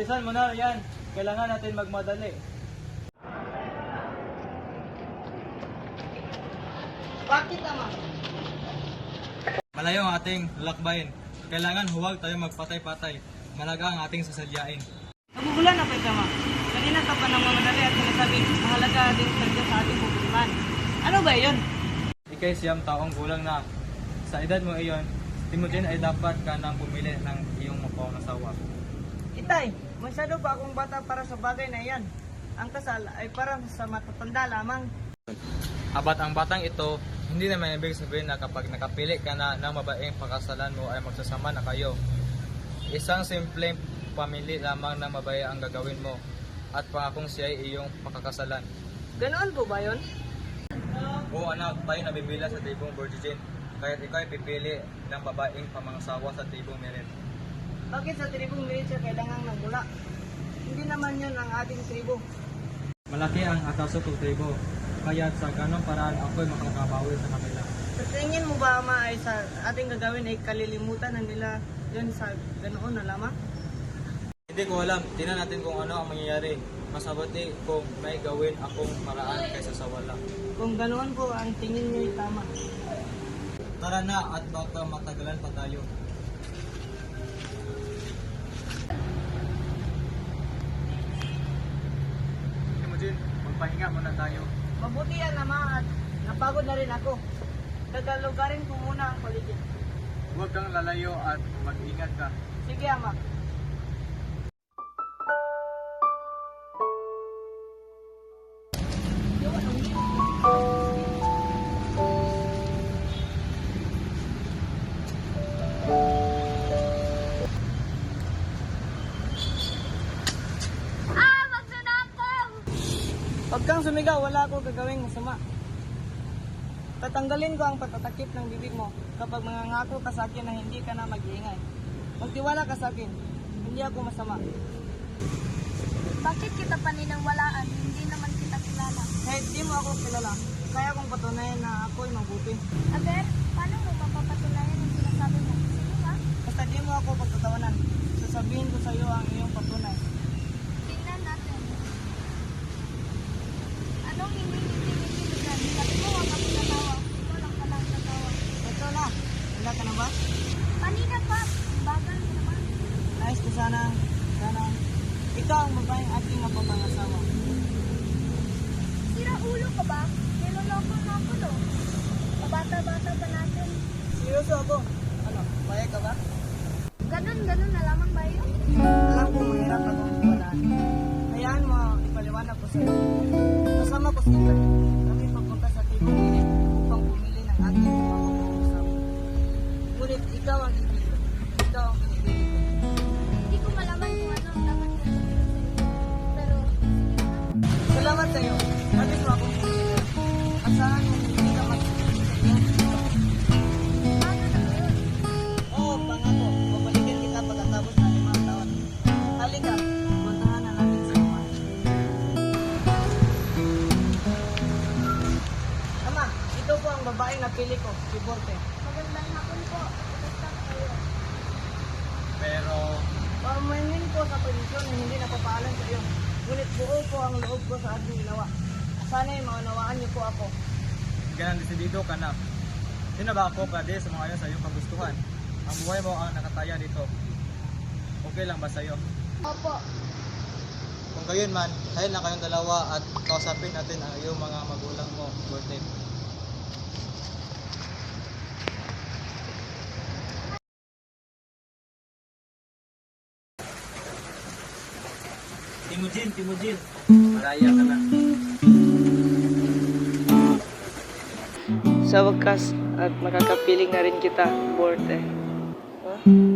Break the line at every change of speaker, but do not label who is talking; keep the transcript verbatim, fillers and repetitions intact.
Bilisan mo na yan. Kailangan natin magmadali.
Bakit ama?
Malayo ang ating lakbayin. Kailangan huwag tayo magpatay-patay. Malaga ang ating sasadyain.
Nagugulan na pa ama. Kanina ka pa nang mamadali at sinasabi, mahalaga din talaga sa ating pupuntahan. Ano ba yun?
Ikay siyam taong gulang na. Sa edad mo iyon, Timothy ay dapat ka nang pumili ng iyong mapangasawa.
Itay, masyado pa akong bata para sa bagay na iyan. Ang kasal ay para sa matatanda lamang.
Abat ang batang ito, hindi naman ibig sabihin na kapag nakapili ka na ng babaeng pakasalan mo ay magsasama na kayo. Isang simpleng pamili lamang ng babae ang gagawin mo at pangakong siya ay iyong pakakasalan.
Ganoon po ba yun?
Oo anak, tayo nabibila sa tibong virgin, kaya't ikaw ay pipili ng babaeng pamangasawa sa tibong merit.
Bakit sa tribong militsya kailangan ng bula? Hindi naman yun ang ating tribo.
Malaki ang ataso ng tribo, kaya't sa ganong paraan ako'y makakabawi sa kanila.
Sa tingin mo ba ama ay sa ating gagawin ay kalilimutan na nila yun sa ganoon na lamang?
Hindi ko alam, tingnan natin kung ano ang mangyayari. Mas mabuti kung may gawin akong paraan kaysa sa wala.
Kung ganoon po ang tingin niyo ay tama.
Tara na at baka matagalan pa tayo. Imogen, magpahinga muna tayo.
Mabuti yan ama at napagod na rin ako. Dagalugarin ko muna ang paligid.
Huwag kang lalayo at mag-ingat ka.
Sige ama. Pag kang sumigaw, wala akong gagawing masama. Tatanggalin ko ang patatakip ng bibig mo kapag mangangako ka sa akin na hindi ka na mag-iingay. Magtiwala ka sa akin, hindi ako masama.
Bakit kita paninangwalaan? Hindi naman kita kilala.
Kahit di mo ako kilala, kaya kong patunayan na ako'y mabuti.
Aber, paano mo mapapatunayan ang sinasabi mo? Sige nga.
Basta di mo ako pagtatawanan, sasabihin ko sa iyo ang iyong patunay.
Tingnan natin. Anong hindi hindi hindi dyan? Sabi mo, wag ako natawa. Ikaw lang palang natawa.
Ito na, wala ka na ba?
Kanina pa. Bagal mo naman.
Nais ko sana, sana, ikaw ang babaeng ating mapapangasawa.
Sira ulo ka ba? Niloloko mo ako no? Kabata-bata pa natin.
Seryoso ako. Ano, payag ka ba?
Ganun, ganun na lamang ba yun?
Alam ko mahirap akong iwalaan. Hayaan mo, ipaliwanag ko sa iyo. Kasama ko si Ikay. Kami pagpunta sa tibong init upang pumili ng ating mamamausap. Ngunit ikaw ang ibig. Ikaw ang pinipili ko.
Hindi ko malaman kung ano ang dapat na sabihin sa iyo. Pero, sige na.
Salamat sa iyo. Nabis mo akong pumili. Asahan mo hindi ka magpipili sa iyong dito.
Paano na yun?
Oo, pangako. Babalikin kita pagkatapos ng limang taon. Halika, puntahan na natin sa uma. Ama, ito po ang babaeng napili ko, si Borte.
Magandang hapon po. Kumusta kayo?
Pero,
Pamainin ko sa posisyon na hindi napapaalam sa iyo. Ngunit buo po ang loob ko sa ating ginawa. Sana'y maunawaan niyo po ako.
ganang desidido ka na. Hindi na ba ako pwede sa mga ayon sa iyong kagustuhan? Ang buhay mo ang nakataya dito. Okay lang ba sa iyo?
Opo.
Kung gayon man, dahil na kayong dalawa at kausapin natin ang iyong mga magulang mo, Borte. Timujin, Timujin. Maraya ka na.
Sa wakas at makakapiling na rin kita, Borte. Huh?